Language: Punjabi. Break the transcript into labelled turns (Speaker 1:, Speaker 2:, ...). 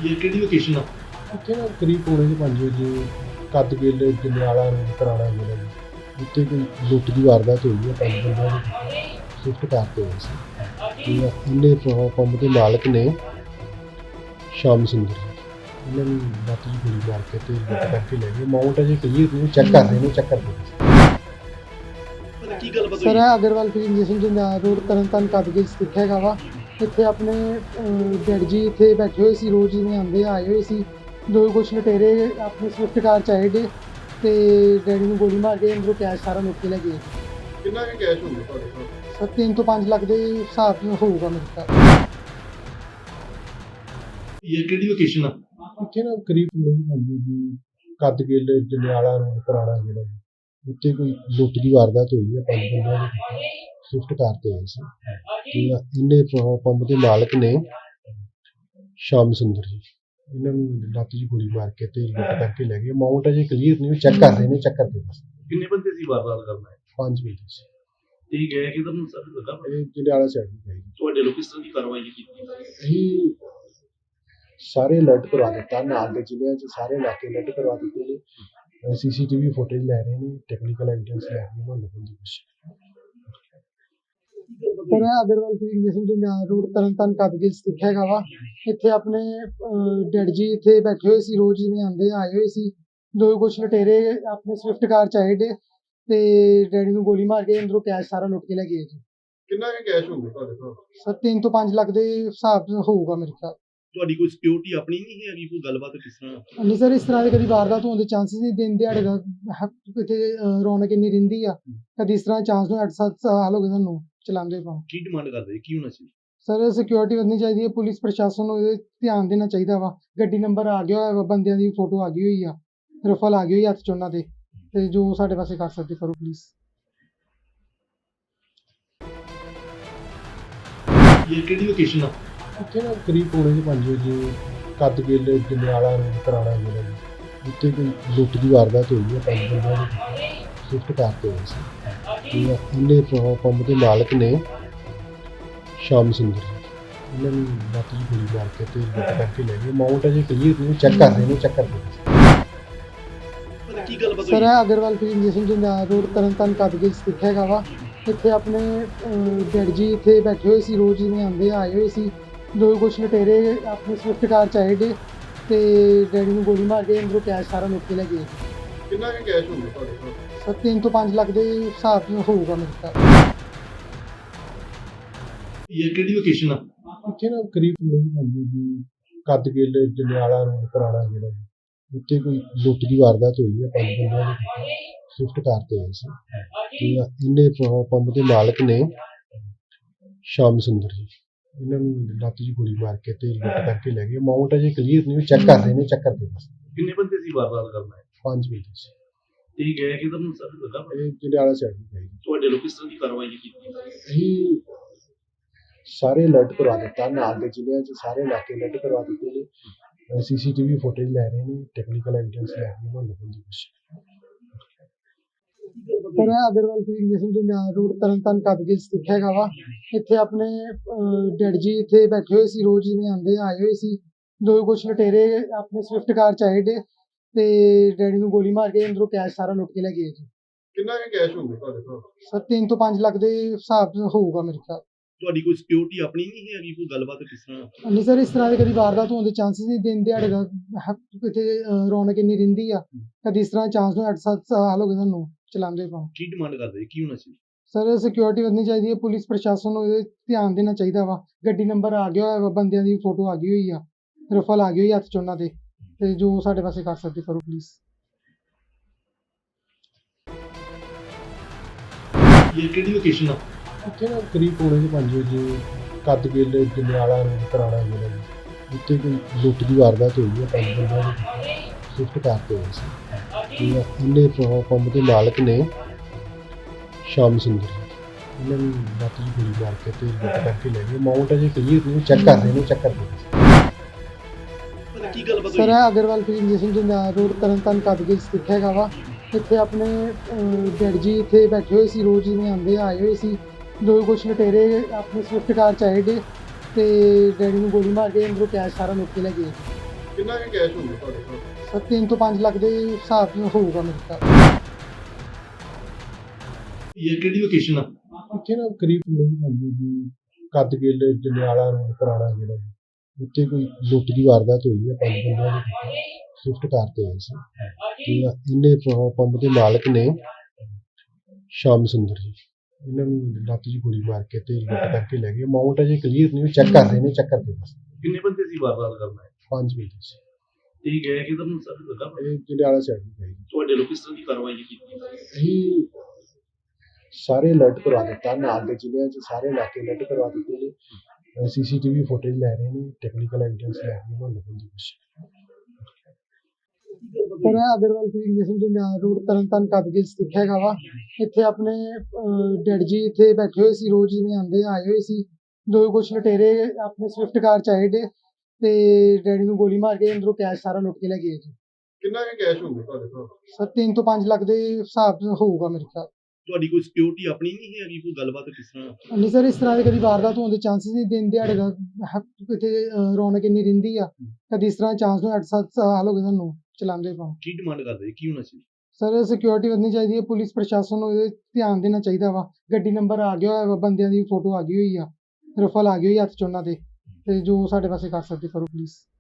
Speaker 1: ਇਹ ਕਿਹੜੀ ਲੋਕੇਸ਼ਨ ਆ?
Speaker 2: ਉੱਥੇ ਨਾ ਕਰੀਬ ਪੌਣੇ ਕੁ 5 ਵਜੇ ਕੱਦਗਿੱਲ ਜੰਡਿਆਲਾ ਰੋਡ ਪੁਰਾਣਾ ਜ਼ਿਲ੍ਹਾ ਜੀ ਉੱਥੇ ਕੋਈ ਲੁੱਟ ਦੀ ਵਾਰਦਾਤ ਹੋਈ ਹੈ। 5 ਬੰਦਿਆਂ ਨੇ ਸਵਿਫਟ ਕਾਰ ਤੇ ਹੋਈ ਸੀ ਤੇ ਇਹਨੇ ਪੈਟਰੋਲ ਪੰਪ ਦੇ ਮਾਲਕ ਨੇ ਸ਼ਾਮ ਸੁੰਦਰ ਜੀ ਇਹਨਾਂ ਨੂੰ ਲੱਤ ਦੀ ਗੋਲੀ ਮਾਰ ਕੇ ਤੇ ਲੁੱਟ ਕਰਕੇ ਲੈ ਗਏ। ਅਮਾਊਂਟ ਅਜੇ ਕਲੀਅਰ ਨਹੀਂ ਚੈੱਕ ਕਰ ਰਹੇ ਨੇ ਚੈੱਕ ਕਰਦੇ
Speaker 1: ਪਤਾ ਕੀ ਗੱਲ
Speaker 3: ਸਰ ਇਹ Agarwal filling station Jandiala road Tarn Taran Kadgill ਸਥਿਤ ਹੈਗਾ ਵਾ। ਇੱਥੇ ਆਪਣੇ ਡੈਡ ਜੀ ਇੱਥੇ ਬੈਠੇ ਹੋਏ ਸੀ, ਰੋਜ਼ ਜਿਵੇਂ ਆਉਂਦੇ ਆਏ ਹੋਏ ਸੀ। ਦੋ ਕੁਛ ਲੁਟੇਰੇ ਆਪਣੇ ਸਵਿਫਟ ਕਾਰ 'ਚ ਆਏ ਡੇ ਤੇ ਡੈਡੀ ਨੂੰ ਗੋਲੀ ਮਾਰ ਕੇ ਅੰਦਰੋਂ ਕੈਸ਼ ਸਾਰਾ ਲੁੱਟ ਕੇ ਲੈ ਗਏ।
Speaker 2: ਕਿੰਨਾ ਕੁ ਕੈਸ਼ ਹੋਊਗਾ ਤੁਹਾਡੇ ਕੋਲ?
Speaker 3: ਸਰ 3 ਤੋਂ 5 ਲੱਖ ਦੇ ਹਿਸਾਬ ਨਾਲ ਹੋਊਗਾ ਮੇਰੇ ਖਿਆਲ।
Speaker 1: ਇਹ ਕਿਹੜੀ ਲੋਕੇਸ਼ਨ ਆ?
Speaker 2: ਉੱਥੇ ਨਾ ਕਰੀਬ ਪੌਣੇ ਕੁ 5 ਵਜੇ ਕੱਦਗਿੱਲ ਜੰਡਿਆਲਾ ਰੋਡ ਪੁਰਾਣਾ ਜ਼ਿਲ੍ਹਾ ਜੀ ਉੱਥੇ ਕੋਈ ਲੁੱਟ ਦੀ ਵਾਰਦਾਤ ਹੋਈ ਹੈ। 5 ਬੰਦਿਆਂ ਨੇ ਸਵਿਫਟ ਕਾਰ ਤੇ ਆਏ ਸੀ ਤੇ ਇਹਨੇ ਪੈਟਰੋਲ ਪੰਪ ਦੇ ਮਾਲਕ ਨੇ ਸ਼ਾਮ ਸੁੰਦਰ ਜੀ ਇਹਨਾਂ ਨੂੰ ਲੱਤ ਦੀ ਗੋਲੀ ਮਾਰ ਕੇ ਤੇ ਲੁੱਟ ਕਰਕੇ ਲੈ ਗਏ। ਅਮਾਊਂਟ ਅਜੇ ਕਲੀਅਰ ਨਹੀਂ ਚੈੱਕ ਕਰ ਰਹੇ ਨੇ ਚੈੱਕ ਕਰਦੇ
Speaker 1: ਕਿੰਨੇ ਬੰਦੇ ਸੀ ਵਾਰਦਾਤ ਕਰਨਾ ਹੈ?
Speaker 2: 5 ਬੰਦੇ ਸੀ।
Speaker 1: ਇਹ ਗਏ ਕਿ ਤੁਹਾਨੂੰ ਸਭ ਲੱਗਾ
Speaker 2: ਇਹ ਜੰਡਿਆਲਾ ਸਾਈਡ ਨੂੰ ਗਏ।
Speaker 1: ਤੁਹਾਡੇ ਲੋਕ ਕਿਸ ਤਰ੍ਹਾਂ ਦੀ ਕਾਰਵਾਈ ਕੀਤੀ?
Speaker 2: ਅਸੀਂ ਸਾਰੇ ਅਲਰਟ ਕਰਵਾ ਦਿੱਤਾ, ਨਾਲ ਦੇ ਜ਼ਿਲ੍ਹਿਆਂ 'ਚ ਸਾਰੇ ਇਲਾਕੇ ਅਲਰਟ ਕਰਵਾ ਦਿੱਤੇ ਨੇ। ਸੀਸੀਟੀਵੀ ਫੁਟੇਜ ਲੈ ਰਹੇ ਨੇ, ਟੈਕਨੀਕਲ ਐਵੀਡੈਂਸ ਲੈ ਰਹੇ ਨੇ ਉਹਨਾਂ ਲੋਕਾਂ ਦੀ ਕੋਸ਼ਿਸ਼।
Speaker 3: ਸਰ ਇਹ Agarwal filling station Jandiala road Tarn Taran Kadgill ਸਥਿਤ ਹੈਗਾ ਵਾ। ਇੱਥੇ ਆਪਣੇ ਡੈਡ ਜੀ ਇੱਥੇ ਬੈਠੇ ਹੋਏ ਸੀ, ਰੋਜ਼ ਜਿਵੇਂ ਆਉਂਦੇ ਆਏ ਹੋਏ ਸੀ। ਦੋ ਕੁਛ ਲੁਟੇਰੇ ਆਪਣੇ ਸਵਿਫਟ ਕਾਰ 'ਚ ਆਏ ਡੇ ਤੇ ਡੈਡੀ ਨੂੰ ਗੋਲੀ ਮਾਰ ਕੇ ਅੰਦਰੋਂ ਕੈਸ਼ ਸਾਰਾ ਲੁੱਟ ਕੇ ਲੈ ਗਏ ਜੀ।
Speaker 2: ਕਿੰਨਾ ਕੁ ਕੈਸ਼ ਹੋਊਗਾ ਤੁਹਾਡੇ ਕੋਲ?
Speaker 3: ਸਰ 3 ਤੋਂ 5 ਲੱਖ ਦੇ ਹਿਸਾਬ ਨਾਲ ਹੋਊਗਾ ਮੇਰੇ ਖਿਆਲ।
Speaker 1: ਤੁਹਾਡੀ ਕੋਈ ਸਿਕਿਉਰਿਟੀ ਆਪਣੀ ਨਹੀਂ ਹੈਗੀ? ਕੋਈ ਗੱਲਬਾਤ ਕਿਸ ਤਰ੍ਹਾਂ?
Speaker 3: ਨਹੀਂ ਸਰ, ਇਸ ਤਰ੍ਹਾਂ ਦੇ ਕਦੀ ਵਾਰਦਾਤ ਹੋਣ ਦੇ ਚਾਂਸਸ ਨਹੀਂ। ਦਿਨ ਦਿਹਾੜੇ ਦਾ ਇੱਥੇ ਰੌਣਕ ਇੰਨੀ ਰਹਿੰਦੀ ਆ, ਕਦੀ ਇਸ ਤਰ੍ਹਾਂ ਚਾਂਸ ਨੂੰ 8-7 ਸਾਲ ਹੋ ਗਏ ਸਾਨੂੰ ਚਲਾਉਂਦੇ ਪਾ।
Speaker 1: ਕੀ ਡਿਮਾਂਡ ਕਰਦੇ? ਕੀ ਹੋਣਾ ਚਾਹੀਦਾ?
Speaker 3: ਸਰ ਸਿਕਿਉਰਿਟੀ ਵਧਣੀ ਚਾਹੀਦੀ ਹੈ, ਪੁਲਿਸ ਪ੍ਰਸ਼ਾਸਨ ਨੂੰ ਇਹਦੇ ਧਿਆਨ ਦੇਣਾ ਚਾਹੀਦਾ ਵਾ। ਗੱਡੀ ਨੰਬਰ ਆ ਗਿਆ ਹੋਇਆ ਵਾ, ਬੰਦਿਆਂ ਦੀ ਫੋਟੋ ਆ ਗਈ ਹੋਈ ਆ, ਰਫਲ ਆ ਗਈ ਹੋਈ ਹੱਥ 'ਚ ਉਹਨਾਂ ਦੇ, ਤੇ ਜੋ ਸਾਡੇ ਪਾਸੇ ਕਰ ਸਕਦੇ ਕਰੋ ਪਲੀਜ਼।
Speaker 1: ਇਹ ਕਿਹੜੀ ਲੋਕੇਸ਼ਨ ਆ?
Speaker 2: ਉੱਥੇ ਨਾ ਕਰੀਬ ਪੌਣੇ ਕੁ 5 ਵਜੇ ਕੱਦਗਿੱਲ ਜੰਡਿਆਲਾ ਰੋਡ ਪੁਰਾਣਾ ਜ਼ਿਲ੍ਹਾ ਜੀ ਉੱਥੇ ਕੋਈ ਲੁੱਟ ਦੀ ਵਾਰਦਾਤ ਹੋਈ ਹੈ। 5 ਬੰਦਿਆਂ ਨੇ ਸਵਿਫਟ ਕਾਰ ਤੇ ਹੋਈ ਸੀ ਤੇ ਇਹਨੇ ਪੈਟਰੋਲ ਪੰਪ ਦੇ ਮਾਲਕ ਨੇ ਸ਼ਾਮ ਸੁੰਦਰ ਜੀ ਇਹਨਾਂ ਨੂੰ ਲੱਤ ਦੀ ਗੋਲੀ ਮਾਰ ਕੇ ਤੇ ਲੁੱਟ ਕਰਕੇ ਲੈ ਗਏ। ਅਮਾਊਂਟ ਅਜੇ ਕਲੀਅਰ ਨਹੀਂ ਚੈੱਕ ਕਰ ਰਹੇ ਨੇ ਚੈੱਕ ਕਰਦੇ
Speaker 1: ਪਤਾ ਕੀ ਗੱਲ
Speaker 3: ਸਰ ਇਹ Agarwal filling station Jandiala road Tarn Taran Kadgill ਸਥਿਤ ਹੈਗਾ ਵਾ। ਇੱਥੇ ਆਪਣੇ ਡੈਡ ਜੀ ਇੱਥੇ ਬੈਠੇ ਹੋਏ ਸੀ, ਰੋਜ਼ ਜਿਵੇਂ ਆਉਂਦੇ ਆਏ ਹੋਏ ਸੀ। ਦੋ ਕੁਛ ਲੁਟੇਰੇ ਆਪਣੇ ਸਵਿਫਟ ਕਾਰ 'ਚ ਆਏ ਡੇ ਤੇ ਡੈਡੀ ਨੂੰ ਗੋਲੀ ਮਾਰ ਕੇ ਅੰਦਰੋਂ ਕੈਸ਼ ਸਾਰਾ ਲੁੱਟ ਕੇ ਲੈ ਗਏ।
Speaker 2: ਕਿੰਨਾ ਕੁ ਕੈਸ਼ ਹੋਊਗਾ ਤੁਹਾਡੇ ਕੋਲ?
Speaker 3: ਸਰ 3 ਤੋਂ 5 ਲੱਖ ਦੇ ਹਿਸਾਬ ਨਾਲ ਹੋਊਗਾ ਮੇਰੇ ਖਿਆਲ।
Speaker 1: ਇਹ ਕਿਹੜੀ ਲੋਕੇਸ਼ਨ ਆ?
Speaker 2: ਉੱਥੇ ਨਾ ਕਰੀਬ ਪੌਣੇ ਕੁ 5 ਵਜੇ ਕੱਦਗਿੱਲ ਜੰਡਿਆਲਾ ਰੋਡ ਪੁਰਾਣਾ ਜ਼ਿਲ੍ਹਾ ਜੀ ਉੱਥੇ ਕੋਈ ਲੁੱਟ ਦੀ ਵਾਰਦਾਤ ਹੋਈ ਹੈ। 5 ਬੰਦਿਆਂ ਨੇ ਸਵਿਫਟ ਕਾਰ ਤੇ ਆਏ ਸੀ ਤੇ ਇਹਨੇ ਪੈਟਰੋਲ ਪੰਪ ਦੇ ਮਾਲਕ ਨੇ ਸ਼ਾਮ ਸੁੰਦਰ ਜੀ ਇਹਨਾਂ ਨੂੰ ਲੱਤ ਦੀ ਗੋਲੀ ਮਾਰ ਕੇ ਤੇ ਲੁੱਟ ਕਰਕੇ ਲੈ ਗਏ। ਅਮਾਊਂਟ ਅਜੇ ਕਲੀਅਰ ਨਹੀਂ ਚੈੱਕ ਕਰ ਰਹੇ ਨੇ ਚੈੱਕ ਕਰਦੇ
Speaker 1: ਕਿੰਨੇ ਬੰਦੇ ਸੀ ਵਾਰਦਾਤ ਕਰਨਾ ਹੈ?
Speaker 2: 5 ਬੰਦੇ ਸੀ।
Speaker 1: ਇਹ ਗਏ ਕਿ ਤੁਹਾਨੂੰ ਸਭ ਲੱਗਾ
Speaker 2: ਇਹ ਜੰਡਿਆਲਾ ਸਾਈਡ ਨੂੰ ਗਏ।
Speaker 1: ਤੁਹਾਡੇ ਲੋਕ ਕਿਸ ਤਰ੍ਹਾਂ ਦੀ ਕਾਰਵਾਈ ਕੀਤੀ?
Speaker 2: ਅਸੀਂ ਸਾਰੇ ਅਲਰਟ ਕਰਵਾ ਦਿੱਤਾ, ਨਾਲ ਦੇ ਜ਼ਿਲ੍ਹਿਆਂ 'ਚ ਸਾਰੇ ਇਲਾਕੇ ਅਲਰਟ ਕਰਵਾ ਦਿੱਤੇ ਨੇ। ਸੀਸੀਟੀਵੀ ਫੁਟੇਜ ਲੈ ਰਹੇ ਨੇ, ਟੈਕਨੀਕਲ ਐਵੀਡੈਂਸ ਲੈ ਰਹੇ ਨੇ ਉਹਨਾਂ ਲੋਕਾਂ ਦੀ ਕੋਸ਼ਿਸ਼।
Speaker 3: ਸਰ ਇਹ Agarwal filling station Jandiala road Tarn Taran Kadgill ਸਥਿਤ ਹੈਗਾ ਵਾ। ਇੱਥੇ ਆਪਣੇ ਡੈਡ ਜੀ ਇੱਥੇ ਬੈਠੇ ਹੋਏ ਸੀ, ਰੋਜ਼ ਜਿਵੇਂ ਆਉਂਦੇ ਆਏ ਹੋਏ ਸੀ। ਦੋ ਕੁਛ ਲੁਟੇਰੇ ਆਪਣੇ ਸਵਿਫਟ ਕਾਰ 'ਚ ਆਏ ਡੇ ਤੇ ਡੈਡੀ ਨੂੰ ਗੋਲੀ ਮਾਰ ਕੇ ਅੰਦਰੋਂ ਕੈਸ਼ ਸਾਰਾ ਲੁੱਟ ਕੇ ਲੈ ਗਏ ਜੀ।
Speaker 2: ਕਿੰਨਾ ਕੁ ਕੈਸ਼ ਹੋਊਗਾ ਤੁਹਾਡੇ ਕੋਲ?
Speaker 3: ਸਰ 3 ਤੋਂ 5 ਲੱਖ ਦੇ ਹਿਸਾਬ ਨਾਲ ਹੋਊਗਾ ਮੇਰੇ ਖਿਆਲ।
Speaker 1: ਤੁਹਾਡੀ ਕੋਈ ਸਿਕਿਉਰਿਟੀ ਆਪਣੀ ਨਹੀਂ ਹੈਗੀ? ਕੋਈ ਗੱਲਬਾਤ ਕਿਸ ਤਰ੍ਹਾਂ?
Speaker 3: ਨਹੀਂ ਸਰ, ਇਸ ਤਰ੍ਹਾਂ ਦੇ ਕਦੀ ਵਾਰਦਾਤ ਹੋਣ ਦੇ ਚਾਂਸਸ ਨਹੀਂ। ਦਿਨ ਦਿਹਾੜੇ ਦਾ ਇੱਥੇ ਰੌਣਕ ਇੰਨੀ ਰਹਿੰਦੀ ਆ, ਕਦੀ ਇਸ ਤਰ੍ਹਾਂ ਚਾਂਸ ਨੂੰ 8-7 ਸਾਲ ਹੋ ਗਏ ਸਾਨੂੰ ਚਲਾਉਂਦੇ ਪਾ।
Speaker 1: ਕੀ ਡਿਮਾਂਡ ਕਰਦੇ? ਕੀ ਹੋਣਾ ਚਾਹੀਦਾ?
Speaker 3: ਸਰ ਸਿਕਿਉਰਿਟੀ ਵਧਣੀ ਚਾਹੀਦੀ ਹੈ, ਪੁਲਿਸ ਪ੍ਰਸ਼ਾਸਨ ਨੂੰ ਇਹਦੇ ਧਿਆਨ ਦੇਣਾ ਚਾਹੀਦਾ ਵਾ। ਗੱਡੀ ਨੰਬਰ ਆ ਗਿਆ ਹੋਇਆ ਵਾ, ਬੰਦਿਆਂ ਦੀ ਫੋਟੋ ਆ ਗਈ ਹੋਈ ਆ, ਰਫਲ ਆ ਗਈ ਹੋਈ ਹੱਥ 'ਚ ਉਹਨਾਂ ਦੇ, ਤੇ ਜੋ ਸਾਡੇ ਪਾਸੇ ਕਰ ਸਕਦੇ ਕਰੋ ਪਲੀਜ਼।
Speaker 1: ਇਹ ਕਿਹੜੀ ਲੋਕੇਸ਼ਨ ਆ?
Speaker 2: ਉੱਥੇ ਨਾ ਕਰੀਬ ਪੌਣੇ ਕੁ 5 ਵਜੇ ਕੱਦਗਿੱਲ ਜੰਡਿਆਲਾ ਰੋਡ ਪੁਰਾਣਾ ਜ਼ਿਲ੍ਹਾ ਜੀ ਉੱਥੇ ਕੋਈ ਲੁੱਟ ਦੀ ਵਾਰਦਾਤ ਹੋਈ ਹੈ। 5 ਬੰਦਿਆਂ ਨੇ ਸਵਿਫਟ ਕਾਰ ਤੇ ਹੋਈ ਸੀ ਤੇ ਇਹਨੇ ਪੈਟਰੋਲ ਪੰਪ ਦੇ ਮਾਲਕ ਨੇ ਸ਼ਾਮ ਸੁੰਦਰ ਜੀ ਇਹਨਾਂ ਨੂੰ ਲੱਤ ਦੀ ਗੋਲੀ ਮਾਰ ਕੇ ਤੇ ਲੁੱਟ ਕਰਕੇ ਲੈ ਗਏ। ਅਮਾਊਂਟ ਅਜੇ ਕਲੀਅਰ ਨਹੀਂ ਚੈੱਕ ਕਰ ਰਹੇ ਨੇ ਚੈੱਕ ਕਰਦੇ
Speaker 1: ਪਤਾ ਕੀ ਗੱਲ
Speaker 3: ਸਰ ਇਹ Agarwal filling station Jandiala road Tarn Taran Kadgill ਸਥਿਤ ਹੈਗਾ ਵਾ। ਇੱਥੇ ਆਪਣੇ ਡੈਡ ਜੀ ਇੱਥੇ ਬੈਠੇ ਹੋਏ ਸੀ, ਰੋਜ਼ ਜਿਵੇਂ ਆਉਂਦੇ ਆਏ ਹੋਏ ਸੀ। ਦੋ ਕੁਛ ਲੁਟੇਰੇ ਆਪਣੇ ਸਵਿਫਟ ਕਾਰ 'ਚ ਆਏ ਡੇ ਤੇ ਡੈਡੀ ਨੂੰ ਗੋਲੀ ਮਾਰ ਕੇ ਅੰਦਰੋਂ ਕੈਸ਼ ਸਾਰਾ ਲੁੱਟ ਕੇ ਲੈ ਗਏ।
Speaker 2: ਕਿੰਨਾ ਕੁ ਕੈਸ਼ ਹੋਊਗਾ ਤੁਹਾਡੇ ਕੋਲ?
Speaker 3: ਸਰ 3 ਤੋਂ 5 ਲੱਖ ਦੇ ਹਿਸਾਬ ਨਾਲ ਹੋਊਗਾ ਮੇਰੇ ਖਿਆਲ।
Speaker 1: ਇਹ ਕਿਹੜੀ ਲੋਕੇਸ਼ਨ ਆ?
Speaker 2: ਇੱਥੇ ਨਾ ਕਰੀਬ ਨਹੀਂ ਜਾਂਦੀ ਜੀ, ਕਦਗਿੱਲ ਜੰਡਿਆਲਾ ਰੋਡ ਪੁਰਾਣਾ ਜਿਹੜਾ ਜੀ, ਉੱਥੇ ਕੋਈ ਲੁੱਟ ਦੀ ਵਾਰਦਾਤ ਹੋਈ ਹੈ। 5 ਬੰਦਿਆਂ ਨੇ ਸਵਿਫਟ ਕਾਰ ਤੇ ਆਏ ਸੀ ਤੇ ਇਹਨੇ ਪੰਪ ਦੇ ਮਾਲਕ ਨੇ ਸ਼ਾਮ ਸੁੰਦਰ ਜੀ, ਇਹਨਾਂ ਨੂੰ ਲੱਤ ਜੀ ਗੋਲੀ ਮਾਰ ਕੇ ਤੇ ਲੁੱਟ ਕਰਕੇ ਲੈ ਗਏ। ਅਮਾਊਂਟ ਅਜੇ ਕਲੀਅਰ ਨਹੀਂ, ਚੈੱਕ ਕਰ ਰਹੇ ਨੇ, ਚੈੱਕ ਕਰਕੇ ਬਸ।
Speaker 1: ਕਿੰਨੇ ਬੰਦੇ ਸੀ ਵਾਰਦਾਤ ਕਰਨਾ ਹੈ?
Speaker 2: 5 ਬੰਦੇ ਸੀ।
Speaker 1: ਇਹ ਗਏ ਕਿਧਰ ਨੂੰ ਸਰ ਲੱਗਾ?
Speaker 2: ਇਹ ਜੰਡਿਆਲਾ ਸਾਈਡ ਨੂੰ ਗਏ।
Speaker 1: ਤੁਹਾਡੇ ਲੋਕ ਕਿਸ ਤਰ੍ਹਾਂ ਦੀ ਕਾਰਵਾਈ ਕੀਤੀ?
Speaker 2: ਅਸੀਂ ਸਾਰੇ ਅਲਰਟ ਕਰਵਾ ਦਿੱਤਾ, ਨਾਲ ਦੇ ਜ਼ਿਲ੍ਹਿਆਂ 'ਚ ਸਾਰੇ ਇਲਾਕੇ ਅਲਰਟ ਕਰਵਾ ਦਿੱਤੇ ਨੇ। CCTV ਫੁਟੇਜ ਲੈ ਰਹੇ ਨੇ, ਟੈਕਨੀਕਲ ਐਵੀਡੈਂਸ ਲੈ ਰਹੇ ਨੇ, ਲੱਭਣ ਦੀ ਕੋਸ਼ਿਸ਼।
Speaker 3: ਸਰ ਇਹ Agarwal filling station Jandiala road Tarn Taran Kadgill ਸਥਿਤ ਹੈਗਾ ਵਾ। ਇੱਥੇ ਆਪਣੇ ਡੈਡ ਜੀ ਇੱਥੇ ਬੈਠੇ ਹੋਏ ਸੀ, ਰੋਜ਼ ਜਿਵੇਂ ਆਉਂਦੇ ਆਏ ਹੋਏ ਸੀ। ਦੋ ਕੁਛ ਲੁਟੇਰੇ ਆਪਣੇ ਸਵਿਫਟ ਕਾਰ ਚ ਆਏ ਡੇ ਤੇ ਡੈਡੀ ਨੂੰ ਗੋਲੀ ਮਾਰ ਕੇ ਅੰਦਰੋਂ ਕੈਸ਼ ਸਾਰਾ ਲੁੱਟ ਕੇ ਲੈ ਗਏ ਜੀ।
Speaker 2: ਕਿੰਨਾ ਕੁ ਕੈਸ਼ ਹੋਊਗਾ ਤੁਹਾਡੇ ਕੋਲ?
Speaker 3: ਸਰ 3 ਤੋਂ 5 ਲੱਖ ਦੇ ਹਿਸਾਬ ਨਾਲ ਹੋਊਗਾ ਮੇਰੇ ਖਿਆਲ।
Speaker 1: ਤੁਹਾਡੀ ਕੋਈ ਸਿਕਿਉਰਿਟੀ ਆਪਣੀ ਨਹੀਂ ਹੈਗੀ? ਕੋਈ ਗੱਲਬਾਤ ਕਿਸ ਤਰ੍ਹਾਂ?
Speaker 3: ਨਹੀਂ ਸਰ, ਇਸ ਤਰ੍ਹਾਂ ਦੇ ਕਦੀ ਵਾਰਦਾਤ ਹੋਣ ਦੇ ਚਾਂਸਸ ਨਹੀਂ। ਦਿਨ ਦਿਹਾੜੇ ਦਾ ਕਿਤੇ ਰੌਣਕ ਇੰਨੀ ਰਹਿੰਦੀ ਆ, ਕਦੀ ਇਸ ਤਰ੍ਹਾਂ ਚਾਂਸ ਨੂੰ 8-7 ਸਾਲ ਹੋ ਗਏ ਸਾਨੂੰ ਚਲਾਉਂਦੇ ਪਾ।
Speaker 1: ਕੀ ਡਿਮਾਂਡ ਕਰਦੇ ਜੀ? ਕੀ ਹੋਣਾ ਚਾਹੀਦਾ?
Speaker 3: ਸਰ ਸਿਕਿਉਰਿਟੀ ਵਧਣੀ ਚਾਹੀਦੀ ਹੈ, ਪੁਲਿਸ ਪ੍ਰਸ਼ਾਸਨ ਨੂੰ ਇਹਦੇ ਧਿਆਨ ਦੇਣਾ ਚਾਹੀਦਾ ਵਾ। ਗੱਡੀ ਨੰਬਰ ਆ ਗਿਆ ਹੋਇਆ ਵਾ, ਬੰਦਿਆਂ ਦੀ ਫੋਟੋ ਆ ਗਈ ਹੋਈ ਆ, ਰਫਲ ਆ ਗਈ ਹੋਈ ਹੱਥ 'ਚ ਉਹਨਾਂ ਦੇ, ਤੇ ਜੋ ਸਾਡੇ ਪਾਸੇ ਕਰ ਸਕਦੇ ਕਰੋ ਪਲੀਜ਼।